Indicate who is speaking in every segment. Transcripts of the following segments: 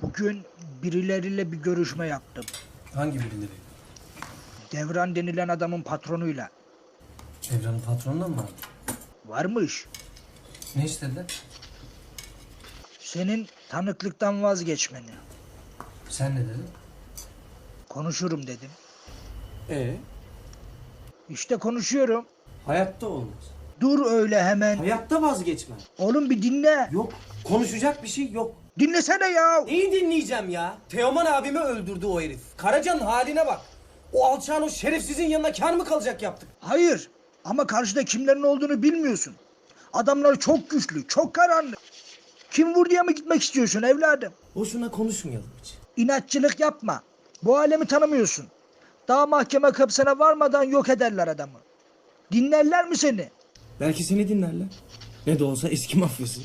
Speaker 1: Bugün birileriyle bir görüşme yaptım.
Speaker 2: Hangi birileri?
Speaker 1: Devran denilen adamın patronuyla.
Speaker 2: Evranın patronundan mı vardı?
Speaker 1: Varmış.
Speaker 2: Ne istediler?
Speaker 1: Senin tanıklıktan vazgeçmeni.
Speaker 2: Sen ne dedin?
Speaker 1: Konuşurum dedim.
Speaker 2: Ee?
Speaker 1: İşte konuşuyorum.
Speaker 2: Hayatta olmaz.
Speaker 1: Dur öyle hemen.
Speaker 2: Hayatta vazgeçmem.
Speaker 1: Oğlum bir dinle.
Speaker 2: Yok. Konuşacak bir şey yok.
Speaker 1: Dinlesene ya.
Speaker 3: Neyi dinleyeceğim ya? Teoman abimi öldürdü o herif. Karaca'nın haline bak. O alçağın o şerefsizin yanına kar mı kalacak yaptık?
Speaker 1: Hayır. Ama karşıda kimlerin olduğunu bilmiyorsun. Adamlar çok güçlü, çok karanlık. Kim vur diye mi gitmek istiyorsun evladım?
Speaker 3: Boşuna konuşmayalım hiç.
Speaker 1: İnatçılık yapma. Bu alemi tanımıyorsun. Daha mahkeme kapısına varmadan yok ederler adamı. Dinlerler mi seni?
Speaker 3: Belki seni dinlerler. Ne de olsa eski mafyası.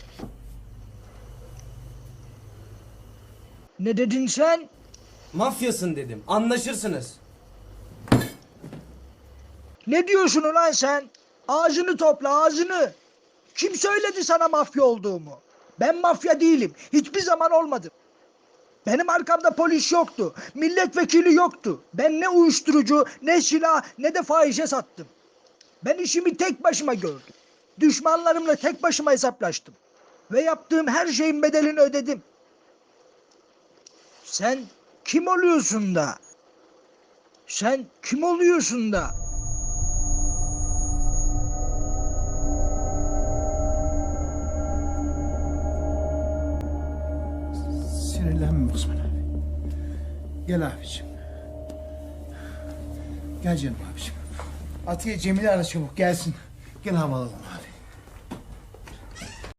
Speaker 1: Ne dedin sen?
Speaker 3: Mafyasın dedim. Anlaşırsınız.
Speaker 1: Ne diyorsun ulan sen? Ağzını topla ağzını. Kim söyledi sana mafya olduğumu? Ben mafya değilim. Hiçbir zaman olmadım. Benim arkamda polis yoktu. Milletvekili yoktu. Ben ne uyuşturucu, ne silah, ne de fahişe sattım. Ben işimi tek başıma gördüm. Düşmanlarımla tek başıma hesaplaştım. Ve yaptığım her şeyin bedelini ödedim. Sen kim oluyorsun da? Sen kim oluyorsun da?
Speaker 4: Sinirlenme Osman abi. Gel abicim. Gel canım abicim. Atiye Cemil'i ara çabuk gelsin. Gel havalanalım.